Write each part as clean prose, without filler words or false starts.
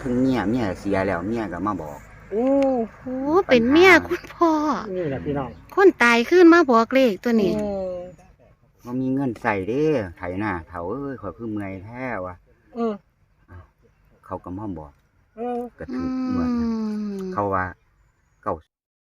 ถึงเมียเสียแล้วเมียก็มาบอกโอ้โอ้เป็นเมียคุณพ่อนี่แหละพี่น้องคนตายขึ้นมาบอกเลขตัวนี้บ่มีเงินใส่เด้ไถนาเฒ่าเอ้ยข่อยคือเมื่อยแท้วะเขาก็มาบอกก็ถึงเหมือนเขาว่าเก่า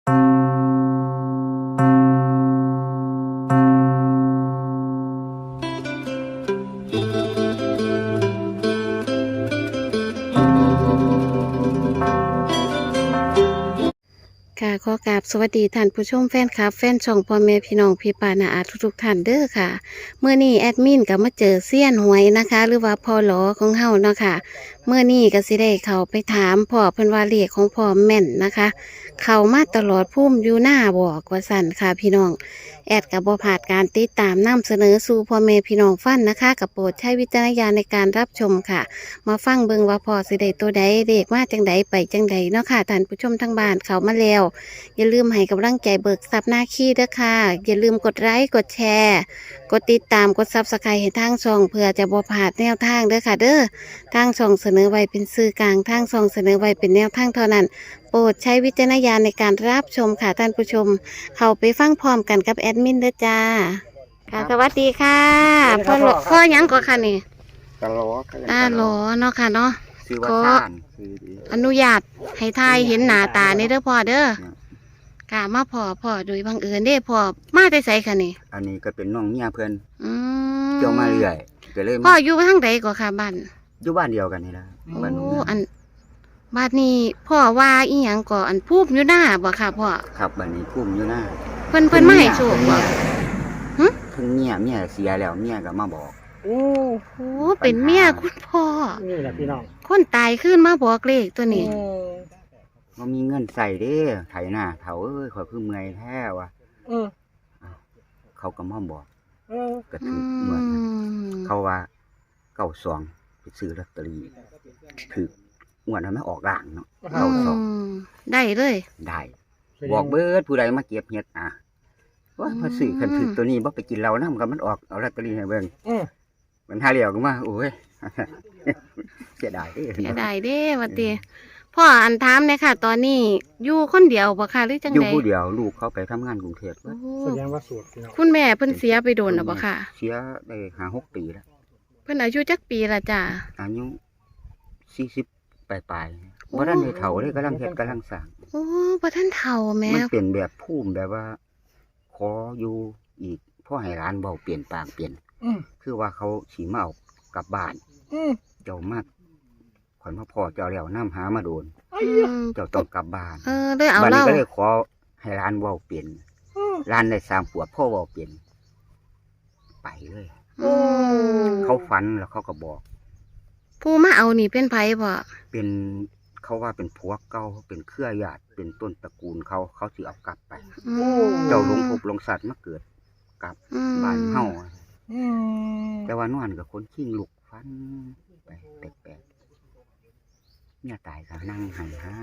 ค่ะขอกราบสวัสดีท่านผู้ชมแฟนคลับแฟนช่องพ่อแม่พี่น้องพี่ปานาอาทุกท่านเด้อค่ะเมื่อนี้แอดมินก็มาเจอเซียนหวยนะคะ หรือว่าพ่อหลอของเฮาเนาะค่ะเมื่อนี้ก็สิได้เข้าไปถามพ่อเพิ่นว่าเลขของพ่อแม่นนะคะ เข้ามาตลอดพุ่มอยู่หน้าบอกว่าสั่นค่ะพี่น้องแอดกับบ่พลาดการติดตามนำเสนอสู่พ่อแม่พี่น้องฟังนะคะกับโปรดใช้วิจารณญาณในการรับชมค่ะมาฟังเบิ่งว่าพ่อสิได้ตัวใดเลขมาจังใดไปจังใดเนาะค่ะท่านผู้ชมทั้งบ้านเข้ามาแล้วอย่าลืมให้กำลังใจเบิกทรัพย์หน้าขี้ด้วยค่ะอย่าลืมกดไลค์กดแชร์กดติดตามกดซับสไครต์ให้ทางช่องเพื่อจะบ่พลาดแนวทางเด้อค่ะเด้อทางช่องเสนอไว้เป็นสื่อกลางทางช่องเสนอไว้เป็นแนวทางเท่านั้นโปรดใช้วิจารณญาณในการรับชมค่ะท่านผู้ชมเข้าไปฟังพร้อมกันกับแอดมินเด้อจ้าค่ะสวัสดีค่ะพ่อหยังก็ค่ะนี่ตะลอหลอเนาะค่ะเนาะคือว่าซ่านคืออนุญาตให้ทายเห็นหน้าตาในเด้อพ่อเด้อค่ะมาพ่อโดยบังเอิญเด้พ่อมาได้ไสค่ะนี่อันนี้ก็เป็นน้องเมียเพิ่นเกี่ยวมาเรื่อยก็เลยพ่ออยู่ทางใดก็ค่ะบ้านอยู่บ้านเดียวกันนี่ล่ะบ้านนู้นอันบ้านนี้พ่อว่าอีหยังก็อันพูบอยู่หน้าบ่ค่ะพ่อครับบ้านนี้พุ่มอยู่หน้าเพิ่นมาให้โชคบ่ถึงเมียเสียแล้วเมียก็มาบอกโอ้โหเป็นเมียคุณพ่อนี่แหละพี่น้องคนตายขึ้นมาบอกเลขตัวนี้บ่มีเงินใส่เด้ไถนาเฒ่าเอ้ยข่อยคือเมื่อยแท้วะเขาก็มาบอกก็ถึงเหมือนเขาว่าเก่าซองไปซื้อลอตเตอรี่ถืองวดนั้นไม่ออกร่างเนาะเก่าซองได้เลยได้บอกเบิดผู้ใดมาเก็บเฮ็ดว่าพอซื้อคันถือตัวนี้บ่ไปกินเหล้านำก็มันออกเอาลอตเตอรี่ให้เบิ่งมันหาเหลียวก็มาโอ้ยเสียดายเด้ว่าติพ่ออันถามเนี่ยค่ะตอนนี้อยู่คนเดียวบ่ค่ะหรือจังได๋อยู่ผู้เดียวลูกเขาไปทำงานกรุงเทพแสดงว่าโสดพี่น้องคุณแม่เพิ่นเสียไปโดนแล้วบ่ค่ะเสียได้5-6 ปีแล้วเพิ่นอายุจักปีละจ้ะอายุ40ปลายๆบ่ทันได้เฒ่าเลยกำลังเฮ็ดกำลังสร้างโอ้บ่ทันเฒ่าแม่มันเป็นแบบภูมิแบบว่าขออยู่อีกพ่อให้ร้านเบาเปลี่ยนปากเปลี่ยนคือว่าเขาสิมาเอากลับบ้านเจ้ามากข่อยมาพ่อเจ้าแล้วน้ำหามาโดนเจ้าต้องกลับบ้านได้เอาบ้านนี้ก็เลยขอให้ร้านเบาเปลี่ยนร้านได้3 ขวบพ่อเบาเปลี่ยนไปเลยเขาฝันแล้วเขาก็บอกผู้มาเอานี่เป็นไผบ่เป็นเขาว่าเป็นผัวเก่าเป็นเครือญาติเป็นต้นตระกูลเขาสิเอากลับไปเจ้าหลงภพหลงสัตว์มาเกิดกลับบ้านเฮาแต่ว่านอนกับคนขี้ลุกฟันไปแปลกๆเนี่ยตายก็นั่งหายห้า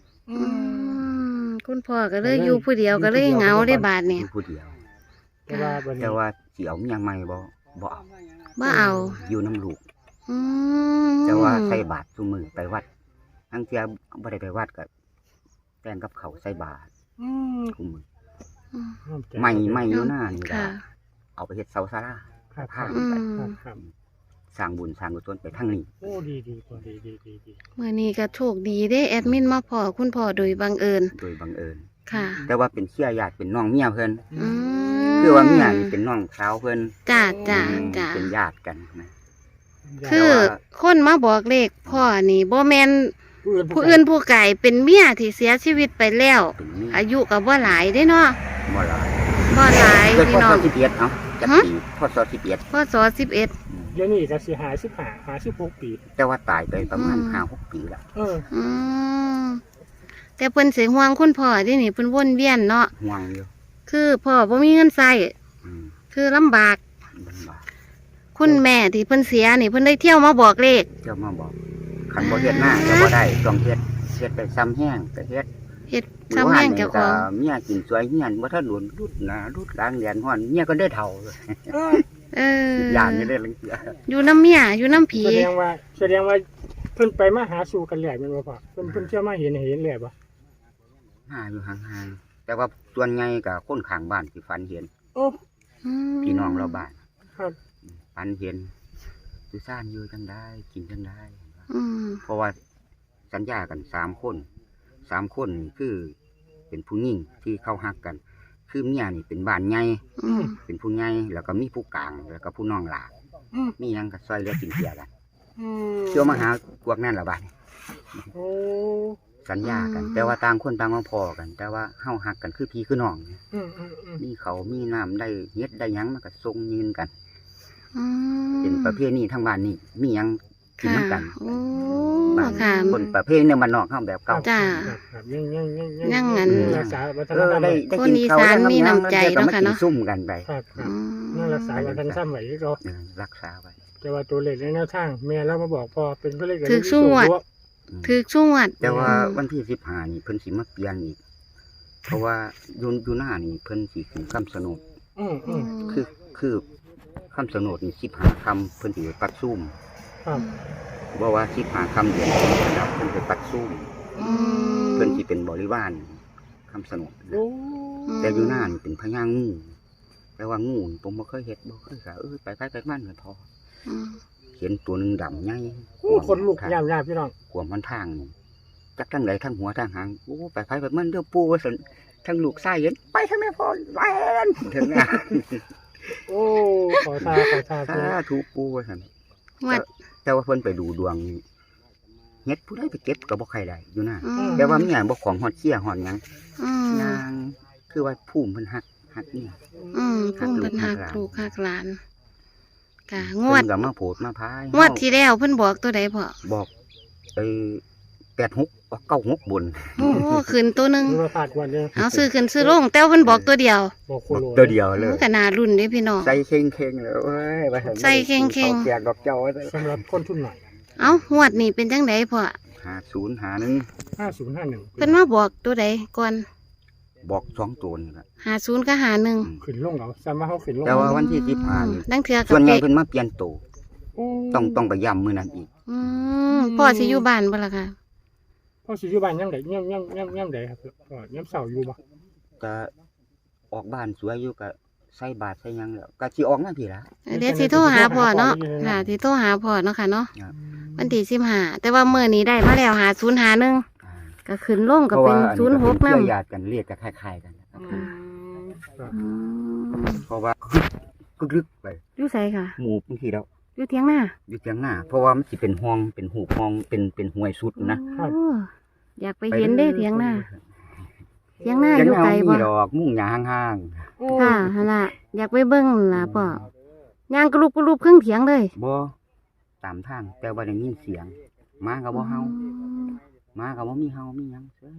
คุณพ่อก็เลยอยู่ผู้เดียวก็เลยเหงาได้บาดเนี่ยผู้เดียวแต่ว่าสิเอาเมียใหม่บ่เอาอยู่น้ำลูกแต่ว่าใส่บาตรซุมื้อไปวัดทั้งเที่ยบ่ได้ไปวัดก็แต่งกับเขาใส่บาตรคุมื้อไม่อยู่หน้านี่ล่ะเอาไปเฮ็ดเสาศาลาพาไปสร้างบุญสร้างกุศลไปทางนี้โอ้ดีมื้อนี้ก็โชคดีเด้แอดมินมาพอคุณพ่อโดยบังเอิญค่ะแต่ว่าเป็นเชื้อญาติเป็นน้องเมียเพิ่นคือว่าเมียนี่เป็นน้องสาวเพิ่นจ้าเป็นญาติกันนะคือคนมาบอกเลขพ่อนี่บ่แม่นผู้อื่นผู้ไกลเป็นเมียที่เสียชีวิตไปแล้วอายุก็บ่หลายเด้เนาะบ่หลายพี่น้องพ.ศ. 11เนาะจักปีพ.ศ. 11 เดี๋ยวนี้ก็สิ55-56 ปีแต่ว่าตายไปประมาณ5-6 ปีแล้วแต่เพิ่นสิห่วงคุณพ่อที่นี่เพิ่นวนเวียนเนาะห่วงอยู่คือพ่อบ่มีเงินใช้คือลำบากคุณแม่ที่เพิ่นเสียนี่เพิ่นได้เที่ยวมาบอกเลขคันบ่เฮ็ดหน้าก็บ่ได้ต้องเฮ็ดไปซ้ำแห้งก็เฮ็ดซ้ำแห้งเจ้าของเมียกินสวยเฮียนบ่ทันหลุนรุดหน้ารุดหลังเรียนฮ้อนเมียก็ได้เฒ่าย่านนี่ได้ลังเสียอยู่น้ำเมียอยู่น้ำผีแสดงว่าพิ่นไปมาหาสู่กันแหล่แม่นบ่พ่อเพิ่นเที่ยวมาเห็นแหล่บ่หาอยู่ห่างๆแต่ว่าส่วนใหญ่ก็คนข้างบ้านสิฝันเห็นโอ้พี่น้องเราบ้านครับฝันเห็นสุสานอยู่จังได้กินจังได้อืมเพราะว่าสัญญากัน3 คนนี่คือเป็นผู้หญิงที่เข้าฮักกัน คือเมียนี่เป็นบ้านใหญ่อืมเป็นผู้ใหญ่แล้วก็มีผู้กลางแล้วก็ผู้น้องหลาน มีหยังก็ซอยเหลือกินเสียกันเที่ยวมาหาพวกนั่นละบ้านโอ้สัญญากัน แต่ว่าต่างคนต่างมาพอกัน แต่ว่าเฮาฮักกันคือพี่คือน้องอืมมีเขามีน้ำได้เฮ็ดได้หยังมันก็ทรงยืนกันอืมเป็นประเพณีทางบ้านนี่มีหยังกินค่ะน้ำกันโอ้บ้านค่ะคนประเพณีเนี่ยมันนอกเฮาแบบเก่าจ้าครับยังยังงั้นรักษาวัฒนเอธรอรมได้ไว้ได้คนกินอีเขาสานแล้วมีน้ำใจก็เนาะมาค่ะกินเนาะซุ่มกันไปครับอืมยังรักษาวัฒนธรรมไว้อีกเนาะรักษาไว้แต่ว่าตัวเลขในแนวทางแม่เรามาบอกพอเป็นตัวเลขถือสู้อะ ถือช่วดแต่ว่าอืมวันที่15นี่เพิ่นสิมาเปลี่ยนอีกเพราะว่าอยู่หน้านี่เพิ่นสิขึ้นคำสนด คือคำสนดนี่15 คำเพิ่นสิไปปัดซุ่มครับว่า15 คำเดือนครับเพิ่นไปปัดซุ่มอืมเพิ่นสิเป็นบริวารคำสนดนะโอ้แต่อยู่หน้านี่เป็นพญางูแต่ว่างูนี่ผมบ่เคยเฮ็ดบ่เคยก็ไปมันก็พออืมเห็นตัวหนึงดำใหญ่โอ้คนลุกยามพี่น้องกวมมันทางนี่จักทั้งไหนทั้งหัวทั้งหางโอ้ไปมันเด้อปู่ว่าซั่นทั้งลูกชายเห็นไปทางแม่พ่อแล่นถึงงานโอ้ขอทาสาเพิ่นธุปู่ว่าซั่นวัดแต่ว่าเพิ่นไปดูดวงนี่เฮ็ดผู้ใดไปเก็บก็บ่ใครได้อยู่นะอืมแต่ว่าเมียบ่ของฮอดเชี่ยฮอดหยังอืมนางคือว่าภูมิเพิ่นฮักเนี่ยอืมหัพุ่กมลูเป็กนหัหักกหลานลูกหักหลานกะงเพิ่วดนก็มาโผดมาพายงวดที่แล้วเพิ่นบอกตัวใดพ่อบอกไอ้86ออก96บนโอ้โหขึ้นตัวหนึงมีมาผ่านวันนึงเอาซื้อขึ้นซื้อลงแต่ว่าเพิ่นบอกตัวเดียวบอกโคบอกโลตัวเดียวเลยมันก็น่ารุ่นเด้พี่น้องใส่เข่งๆเลยเอ้ยว่าซั่นใส่เข่งๆขาแจกดอกเจ้าว่าซั่นสำหรับคนทุนหน่อยเอ้างวดนี้เป็นจังไดพ่อ 50 51 5051 เพิ่นมาบอกตัวใดก่อนบอก2ตัวนี่ล่ะ 50กับ51 ขึ้นลงเอาซ้ำว่าเขาขึ้นลงแต่ว่าวันที่15นี่ดังเทื่อกัส่วนใหญ่เป๊ะเพิ่นมาเปลี่ยนโตวโอ้ต้องไปย้ำมื้อนั้นอีกอืมพ่อสิอยู่บ้านบ่ล่ะค่ะพ่อสิอยู่บ้านยังไดย่ำใดครับก็ย่ำเสาอยู่บ่ก็ออกบ้านสวยอยู่ก็ใส่บาตรใส่หยังแล้วก็สิออกมาพี่ล่ะเดี๋ยวสิโทรหาพ่อเนาะค่ะสิโทรหาพ่อเนาะค่ะเนาะครับวันที่15แต่ว่ามื้อนี้ได้มาแล้ว5051 อ่าก็ขึ้นลงก็เพราะเป็ว่าน อันนี้ก็เป็น 06 เพื่นำอญาติกันเรียกก็คล้ายๆกันนะครับครับอืมเพราะว่าลึกๆไปอยู่ไสค่ะหมู่บางทีแล้วอยู่เถียงนาอยู่เถียงหน้า เพราะว่ามันสิเป็นห้องเป็นหูห้องเป็นห้วยสุดนะโอ้อยากไปเห็นเด้เถียงนาเถียงนาเถียงอยู่หน้าไกลมีบ่ดอกมุ่งหญ้าห่างค่ะหั่นล่ะอยากไปเบิ่งล่ะพ่อย่างกระลุบครึ่งเถียงเลยๆบ่ตามทางแต่ว่าได้ยินเสียงหมาก็บ่เฮาหมาก็บ่มีเฮามีหยังเฉย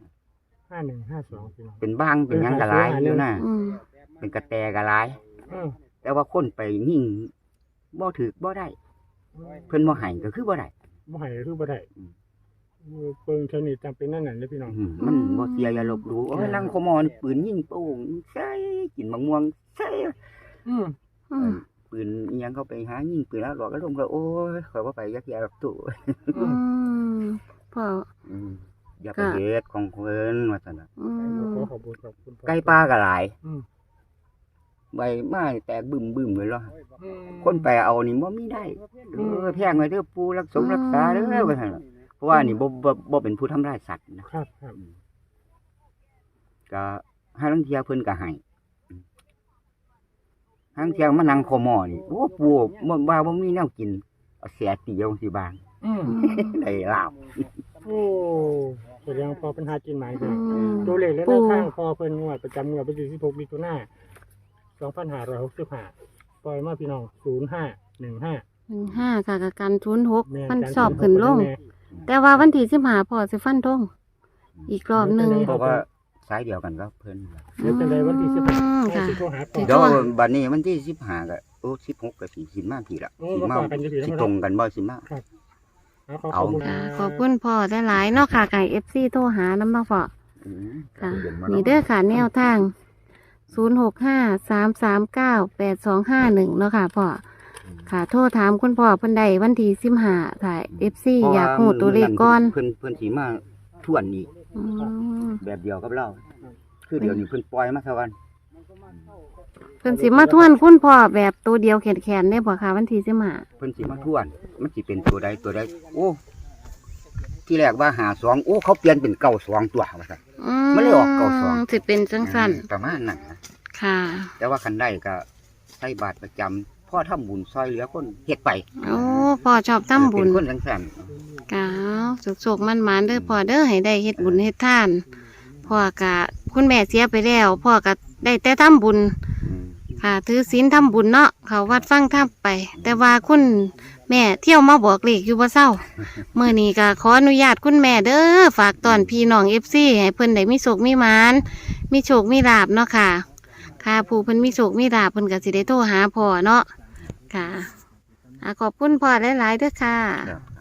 5152พี่น้องเป็นบ้างเป็นหยังก็หลายอยู่นะอืมเป็นกระแตก็หลายเออแต่ว่าคนไปยิ่งบ่ถือบ่ได้ เพิ่นบ่ให้ก็คือบ่ได้บ่ให้คือบ่ได้เบิ่งเทคนิคจำเป็นนั่นน่ะเด้อพี่น้องมันบ่เสียอย่าลบหลู่โอ้ยลังขโมยปืนยิงโป่งใช่กินมะม่วงใช่อืมอืมปืนอิหยังเขาไปหายิงปืนแล้วหลอกก็ลงก็โอ้ยข่อยบ่ไปยักยาดอกตู้อืมพ่ออย่าไปเฮ็ดของเพิ่นว่าซั่นน่ะอืมขอบคุณครับคุณพ่อไก่ป่าก็หลายอืมใบไม้แตกบึ้มๆเลยเหรออืมคนไปเอานี่บ่มีได้แพงไว้เด้อปู่รักษาเด้อว่าซั่นน่ะเพราะว่านี่บ่เป็นผู้ทำร้ายสัตว์นะครับครับก็ให้ลังเที่ยเพิ่นก็ให้ทางเที่ยมานั่งขอหม้อนี่โอ้ปู่บ่ว่าบ่มีแนวกินเอาเสียตีเอาสิบางอืมได้ลาบโอ้แสดงว่าพอเป็นหากินหมายเด้ออืมตัวเลขและแนวทางพอเพิ่นงวดประจำงวดวันที่16มิถุนายน2565ปล่อยมาพี่น้อง0515 15ค่ะกับกัน06 แม่มันการสอบขึ้นลงแม่แต่ว่าวันที่15พ่อสิฟันธงอีกรอบหนึงเพราะว่าสายเดียวกันก็เพิ่นเดี๋ยวจะได้วันที่อืม 15 ค่ะสิโทรหาพ่อเดี๋ยวบัดนี้วันที่15ก็โอ้16ก็สิมาพี่ละโอ้สิมามาฝากกันอยู่พี่สิน้องตรงกันบ่สิมาขอบคุณค่ะขอบคุณพ่อหลายๆเนาะค่ะไก่ FC โทรหาน้ำมาพ่ออืมค่ะเดี๋ยวมานี่เด้อค่ะแนวทาง0653398251เนาะค่ะพ่อค่ะ โทรถามคุณพ่อเพิ่นได้วันที่15ค่ะ FC อยากฮู้ตัวเลขก่อนเพิ่นสิมาทวนอีกอืมแบบเดียวกับเราคือเดี๋ยวนี้เพิ่นปล่อยมาซะวันเพิ่นสิมาทวนคุณพ่อแบบตัวเดียวแขนๆได้บ่คะวันที่15 เพิ่นสิมาทวน มันสิเป็นตัวใดโอ้ที่แรกว่า52โอ้เขาเปลี่ยนเป็น92ตัวว่าซั่น มันเลยออก92 สิเป็นจังซั่นประมาณนั้นนะค่ะแต่ว่าคันได้ก็ใส่บาตรประจำพ่อทำบุญซอยเหลือคนเฮ็ดไปโอ้พ่อชอบทำบุญเป็นคนจังซั่นกะสุกๆมันๆเด้อพ่อเด้อให้ได้เฮ็ดบุญเฮ็ดทานพ่อกะคุณแม่เสียไปแล้วพ่อก็ได้แต่ทำบุญอืมค่ะถือศีลทำบุญเนาะเขาวัดฟังทำไป แต่ว่าคุณแม่เที่ยวมาบอกเลขอยู่บ่เศร้า เมื่อนี้ก็ขออนุญาตคุณแม่เด้อฝากตอนพี่น้อง FC ให้เพิ่นได้มีโชคมีหมานมีโชคมีลาภเนาะค่ะ ค่ะผู้เพิ่นมีโชคมีลาภเพิ่นก็สิได้โทรหาพ่อเนาะค่ะขอบคุณพ่อหลายๆเด้อค่ะครับ